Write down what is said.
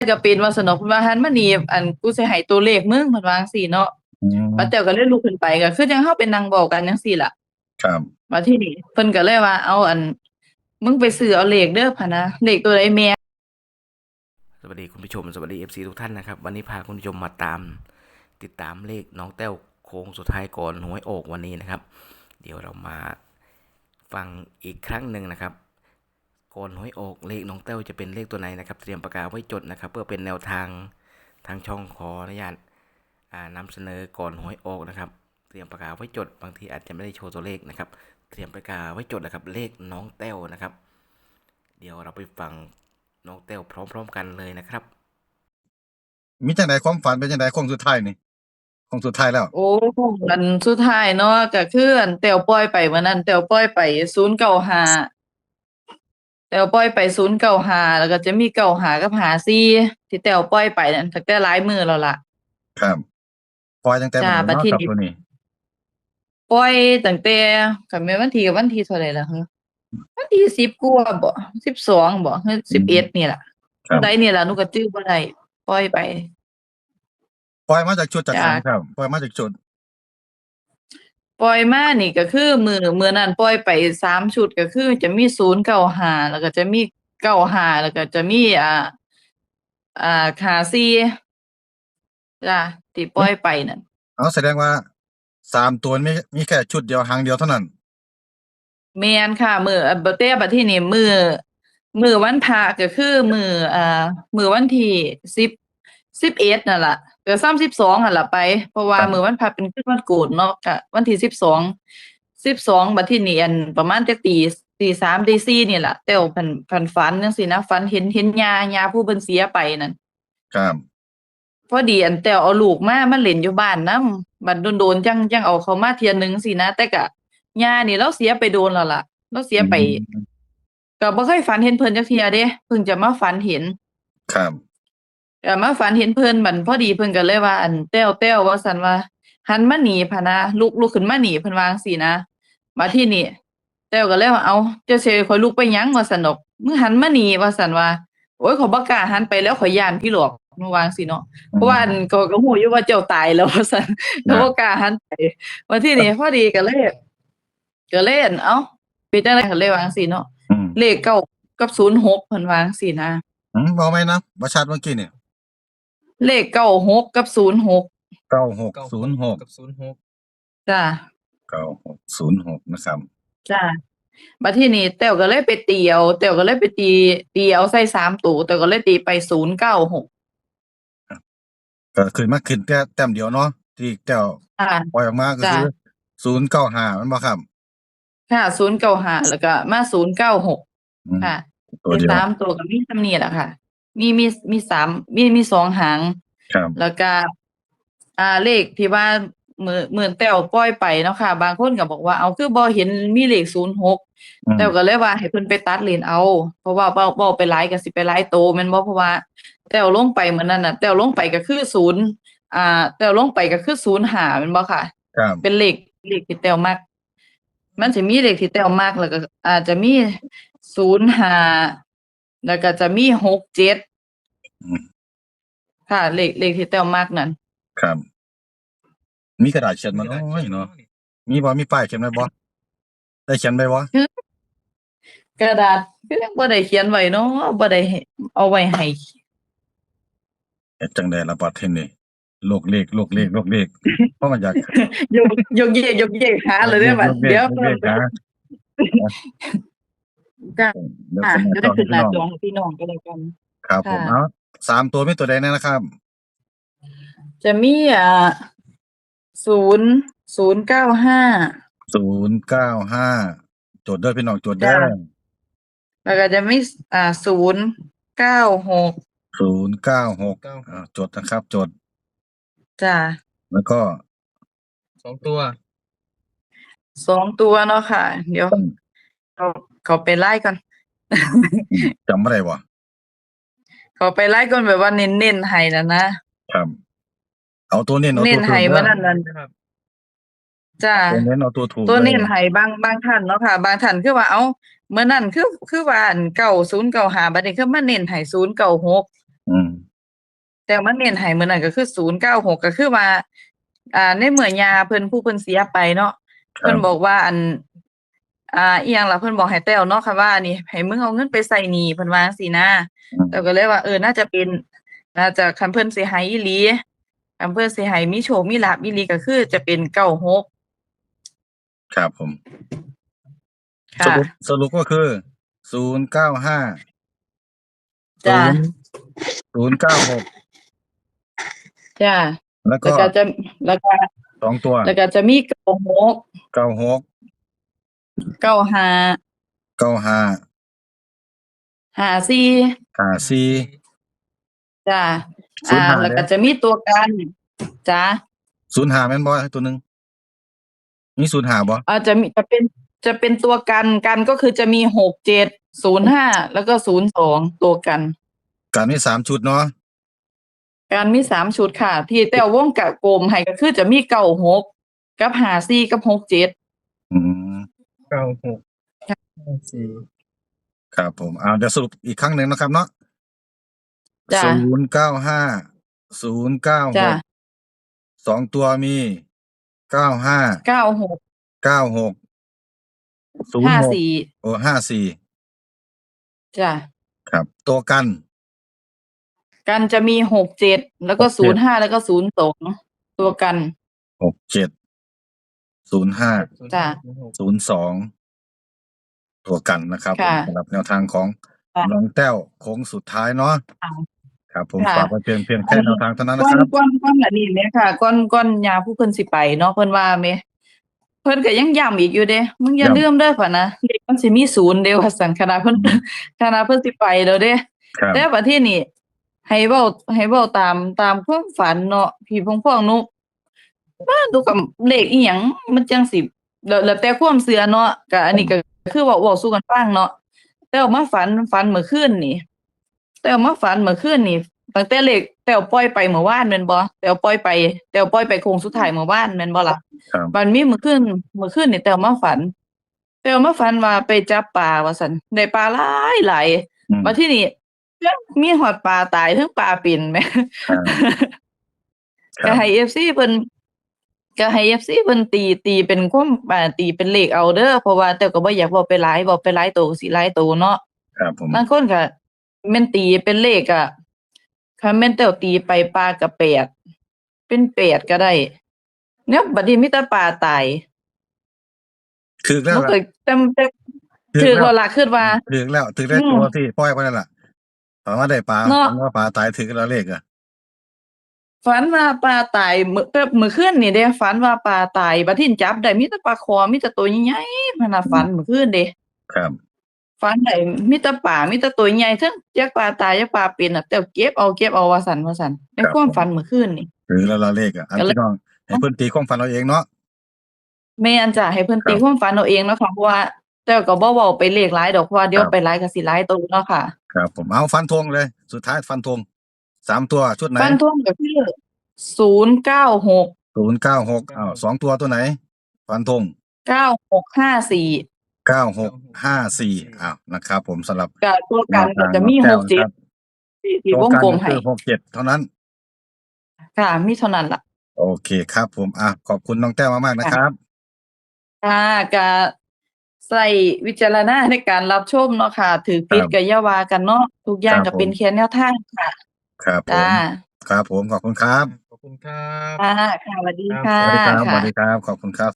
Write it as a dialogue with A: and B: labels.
A: ก็เป็นว่าซั่นดอกเพิ่นว่าหันมานี่อันกูสิให้ตัวเลขมึงเพิ่นว่าจั่งซี้เนาะ
B: อื
A: ป้าแต๋
B: ม
A: วก็เลยลุกขึ้นไปก็คือจั่งเราไปนั่งเว้ากันจั่งซี้ล่ะ
B: ครับ
A: บัดทีนี้เพิ่นก็เลยว่าเอามึงไปซื้อเอาเลขเด้อพะนะเลขตัวใดแม่
C: สวัสดีคุณผู้ชมสวัสดี FC ทุกท่านนะครับวันนี้พาคุณผู้ชมมาติดตามเลขน้องแต้วโค้งสุดท้ายก่อนหวยออกวันนี้นะครับเดี๋ยวเรามาฟังอีกครั้งหนึ่งนะครับก่อนหวยออกเลขน้องแต้วจะเป็นเลขตัวไหนนะครับเตรียมปากกาไว้จดนะครับเพื่อเป็นแนวทางทางช่องขออนุญาตนำเสนอก่อนหวยออกนะครับเตรียมปากกาไว้จดบางทีอาจจะไม่ได้โชว์ตัวเลขนะครับเตรียมปากกาไว้จดนะครับเลขน้องแต้วนะครับเดี๋ยวเราไปฟังน้องแต้วพร้อมๆกันเลยนะครับ
B: มีจังไดความฝันเป็นจังไดโค้งสุดท้ายนี่โค้งสุดท้ายแล้ว
A: โอ้อันสุดท้ายเนาะก็คือแต้วปล่อยไปมื้อนั้นแต้วปล่อยไป095แต้วปล่อยไป095แล้วก็จะมี95กับ54ที่แต้วปล่อยไปนั่นตั้งแต่หลายมื้อแล้วล่ะ
B: ครับปล่อยตั้งแต่
A: จ้ะ
B: มื้อใดเนาะ
A: บัดทีนี้
B: ครับตัวนี้
A: ปล่อยตั้งแต่คันแม่นวันที่ก็วันที่เท่าใดล่ะฮึวันที่10กว่าบ่12บ่ฮึ
B: อื
A: 11
B: ม
A: นี่ล่ะ
B: ครับ
A: เท่าใดนี่ล่ะหนูก็จื้อบ่ได้ปล่อยไป
B: ปล่อยมาจากชุดจากหยังค
A: จ้ะ
B: รับปล่อยมาจากชุด
A: ปล่อยมานี่ก็คือมื้อนั้นปล่อยไป3 ชุดก็คือจะมี095แล้วก็จะมี95แล้วก็จะมี54จ้ะที่ปล่
B: อุ๊ย
A: อยไปนั่น
B: อ๋อแสดงว่า3ตัวมีแค่ชุดเดียวหางเดียวเท่านั้น
A: แม่นค่ะมื้อบ่แต่บัดทีนี้มื้อวันพระก็คือมื้อวันที่10 11นั่นล่ะก็ซ้ำ12นั่นล่ะไปเพราะ
B: ค
A: ว่า
B: รับ
A: มื้อวันพระเป็นคืนวันโกฐเนาะก็วันที่12บัดทีนี้ประมาณจักตี3ตี4นี่ล่ะแต้วเพิ่นฝันจังซี้นะฝันเห็นย่าผู้เพิ่นเสียไปนั่น
B: ครับ
A: พอดีแต้วเอาลูกมาเล่นอยู่บ้านนำบัดโดนๆจังเอาเขามาเที่ยหนึ่งจั่งซี้นะแต่ก็ย่านี่เลาเสียไปโดนแล้วล่ะเลาเสีย
B: อื
A: ไป
B: ม
A: ก็บ่เคยฝันเห็นเพิ่นจักเที่ยเดะเพิ่งจะมาฝันเห็น
B: ครับ
A: ก็มาฝันเห็นเพิ่นบัดพอดีเพิ่นก็เลยว่าแต้วว่าซั่นว่าหันมาหนีพะนะลุกขึ้นมาหนีเพิ่นว่าจั่งซี้นะบัดทีนี้แต้วก็เลยว่าเอ้าเจ้าสิให้ข้อยลุกไปหยังว่าซั้นดอกมึงหันมาหนีว่าซั่นว่าโอ๊ยข้อยบ่กล้าหันไปแล้วข้อยย้านผีหลอกมันว่าจั่งซี้เนาะเพ
B: อื
A: ราะว่า
B: ม
A: ก็ฮู้อยู่ว่าเจ้าตายแล้วว่าซั่นก็
B: ครับ
A: บ่กล้าหันไปบัดทีนี้พอดีก็เลยเอ้าเป็นจังได๋ก็เลยว่าจั่งซี้เนาะ
B: อืม
A: เลข9กับ06เพิ่นว่าจั่งซี้นะ
B: เว้าใหม่นะบ่ชัดเมื่อกี้นี่
A: เลข96กับ06
B: 9606
D: กับ06
A: จ้ะ
B: 9606นะครับ
A: จ้ะบัดทีนี้แต้วก็เลยไปตีเอาแต้วก็เลยไปตีเอาใส่3 ตัวแต้วก็เลยตีไป096
B: ก็ขึ้นแต่แต้มเดียวเนาะที่แต้ว
A: ค่ะ
B: ปล่อยออกมาก็
A: จ้ะ
B: คือ095แม่นบ่ครับ
A: ค่ะ095แล้วก็มา096
B: อืม
A: ค่ะแต่
B: ตัวเดียว
A: 3ตัวก็มีส่ำนี้แหละค่ะมี3มี2หาง
B: ครับ
A: แล้วก็เลขที่ว่ามื้อแต้วปล่อยไปเนาะค่ะบางคนก็บอกว่าอ้าวคือบ่เห็นมีเลข06
B: อืม
A: แต้วก็เลยว่าให้เพิ่นไปตัดเลนเอาเพราะว่าเว้าไปหลายก็สิไปหลายโตแม่นบ่เพราะว่าแต้วลงไปมื้อนั้นน่ะแต้วลงไปก็คือ0แต้วลงไปก็คือ05แม่นบ่ค่ะ
B: ครับ
A: เป็นเลขที่แต้วมักมันสิมีเลขที่แต้วมักแล้วก็อาจจะมี05แล้วก็จะมี67
B: อืม
A: ค่ะเลขที่แต้วมักนั่น
B: ครับมีกระดาษเขียน
D: มี
B: บ่น้
D: กระดาษเขีย
B: อยเนาะ
D: นบ่เนาะนี่
B: มีบ่มีป้ายเขียนไว้บ่ได้เขียนไว้บ่
A: คือกระดาษคือยังบ่ได้เขียนไว้เนาะบ่ได้ให้เอาไว้ให้
B: เฮ็ดจั่งใดล่ะบัดทีนี้โลกเลขเพราะมันอยาก
A: ยกยกเยกหาเลยเด้อบัดเดี๋ยว
B: โลกเลขหา
A: จ้ะ
B: เดี๋ยวขึ้นหน้า
A: จะ
B: จอให้
A: ได้ขึ้นหน้า
B: พี่น้อง
A: จอให้พี่น้องก็แล้วกัน
B: ครับผ
A: ค่ะ
B: มเอา3ตัวมีตัวใดแน่นะครับ
A: จะมี0095
B: 095จดเด้อพี่น้องจดเด้
A: จ้ะ
B: อ
A: แล้วก็จะมี096
B: 096จดนะครับจด
A: จ้ะ
B: แล้วก็
D: 2ตัว
A: 2 ตัวเนาะค่ะเดี๋ยวเขาเขาไปไล่ก่อน
B: จำบ่ได้บ่
A: เขาไปไล่ก่อนแบบว่าเน้นๆให้น่ะนะครับ
B: เอาตัวเน้นเอา
A: เน้นให้
B: ตัวถูกเด้อ
A: มื้อนั้นนั่น
D: นะครับ
A: จ้ะ
B: ตัวเน้นเอาตัวถูก
A: ตัว
B: เด้อ
A: เน้นให้บางท่านเนาะค่ะบางท่านคือว่าเอ้ามื้อนั้นคือว่าอัน9095บัดนี้คือมาเน้นให้096
B: อืม
A: แต่มันเน้นให้มื้อนั้นก็คือ096ก็คือว่าในเมื่อย่าเพิ่นผู้เพิ่นเสียไปเนาะ
B: ครั
A: เพิ่น
B: บ
A: บอกว่าอิหยังล่ะเพิ่นบอกให้แต้วเนาะค่ะว่านี่ให้มึงเอาเงินไปใช้หนี้เพิ่นว่าจั่งซี้นะแต้วก็เลยว่าน่าจะเป็นน่าจะคันเพิ่นสิให้อีหลีคันเพิ่นสิให้มีโชคมีลาภอีหลีก็คือจะเป็น96
B: ครับผม ส
A: ค่ะ
B: รุปก็คือ095
A: จ้ะ
B: 096
A: จ้ะ
B: แล้ว
A: แล้ว
B: ก็
A: ก็จะแล้วก็
B: 2 ตัว
A: แล้วก็จะมี96
B: 96
A: 95
B: 95
A: 54
B: 54
A: จ้ะ
B: 05
A: แล้ว
B: เด้
A: ก็จะมีตัวกันจ้ะ
B: 05แม่นบ่ตัวหนึงมี05บ่
A: จะเป็นตัวกันก็คือจะมี67 05แล้วก็02ตัวกัน
B: การมี3ชุดเนาะ
A: การมี3ชุดค่ะ ที่แต้ววงกลมให้ก็คือจะมี96กับ54กับ67
B: อืม
D: 96 54
B: ครับผมเดี๋ยวสรุปอีกครั้งหนึ่งนะครับเนาะ
A: จ้ะ
B: 095
A: จ้ะ
B: 096 2 ตัวมี 95
A: 96
B: 96 06
A: 54
B: โอ้54
A: จ้ะ
B: ครับ ตัวกัน
A: กันจะมี67แล้วก็
B: 67
A: 05แล้วก็02ตัวกัน
B: 67 05
A: จ้ะ
B: 02 ตัวกันนะครับผม
A: ค่ะ
B: สำหรับแนวทางของ
A: ค่ะ
B: น้องแต้วโค้งสุดท้ายเนาะ
A: ค่ะ
B: ครับผม
A: ค่ะ
B: ฝากไว้เพียงแค่แนวทางเท่านั้น
A: ก่
B: นะ
A: อน
B: ครับ
A: ก่อนอันนี้แหมค่ะก่อนย่าผู้เพิ่นสิไปเนาะเพิ่นว่าแหมเพิ่นก็ยังย้ำอีกอยู่เดะมึงอย่า
B: ย้ำ
A: ลืมเด้อพ่นนะเลขมันสิมี0เด้อว่าซั่นขณะเพิ่น
B: อืม
A: ขณะเพิ่นสิไปแล้วเด้
B: ครับ
A: แต่บัดทีนี้ให้เว้าตามความฝันเนาะพี่พ่องๆหนูว่าดูกับเลขอีหยังมันจังสิแล้วแต่ความเชื่อเนาะก็อันนี้ก็คือเว้าสู่กันฟังเนาะแต่ว่ามาฝันเมื่อคืนนี่ แต้วมาฝันเมื่อคืนนี่ตั้งแต่เลขแต้วปล่อยไปเมื่อวานแม่นบ่แต้วปล่อยไปโค้งสุดท้ายเมื่อวานแม่นบ่ล่ะ
B: ครับ
A: บัดมีเมื่อคืนนี่แต้วมาฝันว่าไปจับปลาว่าซั่นได้ปลาหลาย
B: อืม
A: บัดทีนี้เทิงมีฮอดปลาตายเทิงปลาเป็นแหม
B: ครับ ค
A: ก็
B: รับ
A: ให้ FC เพิ่นตีเป็นความตีเป็นเลขเอาเด้อเพราะว่าแต้วก็บ่อยากเว้าไปหลายโตก็สิหลายโตเนาะ
B: ครับผม
A: บางคนก็แม่นตีเป็นเลขอะคันแม่นแต้วตีไปปลาก็8เป็น8ก็ได้เนี่ยบัดนี้มีแต่ปลาตาย
B: ถึกแล้ว
A: มัน
B: ล่ะ
A: ก็แต่
B: ถึ
A: ถื
B: ก
A: อ
B: แล้ว
A: แล้วล่ะคิดว่า
B: ถึกแล้วถึกได้
A: อืม
B: ตัวที่ปล่อยไปนั่นล่ะฝันว่าได้ปลา
A: เนาะ
B: ฝันว่าปลาตายถึกแล้วเลขอะ
A: ฝันว่าปลาตายมื้อคืนนี่เด้ฝันว่าปลาตายบัดทีนี้จับได้มีแต่ปลาคอมีแต่ตัวใหญ่ๆพันน่ะฝันมื้อคืนเด้
B: ครับ
A: ฝันได้มีแต่ปลามีแต่ตัวใหญ่เทิงจักปลาตายจักปลาเป็นน่ะแต่เก็บเอาว่าซั่นในความฝันมื้อคืนนี่
B: ถึกแล้วล่ะเลขอะอัน
A: ก็เลย
B: พี่น้องให้เพิ่นตีความฝันเอาเองเนาะ
A: แม่นจ้ะให้เพิ่น
B: ครับ
A: ตีความฝันเอาเองเนาะค่ะเพราะว่าแต่ก็บ่เว้าไปเลขหลายดอกเพราะว่าเดี๋ยว
B: ครับ
A: ไปหลายก็สิหลายโตเนาะค่ะ
B: ครับผมเอาฟันธงเลย สุดท้ายฟันธง3ตัวชุดไหน
A: ฟันธงก็คือ096
B: 0962ตัวไหน ฟันธง
A: 9654
B: 9654นะครับผมสำหรับ
A: ก็ตัวกันก็จะมี
B: แนวทางน้องแต้วนะครับ
A: 67ที่
B: ตัว
A: วง
B: กัน
A: กลม
B: ก็
A: ให้
B: คือ67เท่านั้น
A: ค่ะมีเท่านั้นล่ะ
B: โอเคครับผมขอบคุณน้องแต้วมากๆนะครับ
A: ค่ะก็ใช้วิจารณญาณในการรับชมเนาะค่ะถือผิด
B: ครับ
A: ก็อย่าว่ากันเนาะทุกอย่าง
B: ครั
A: ก็
B: บผม
A: เป็นแค่แนวทางค่ะ
B: ครับผ
A: จ้าม
B: ครับผมขอบคุณครับ
D: ขอบคุณครับ
A: ค่ะสวัสดี
D: ครับ
A: ค่ะ
B: สวัสดีครับ
A: ค่ะ
B: สวัสดีครับ ขอบคุณครับ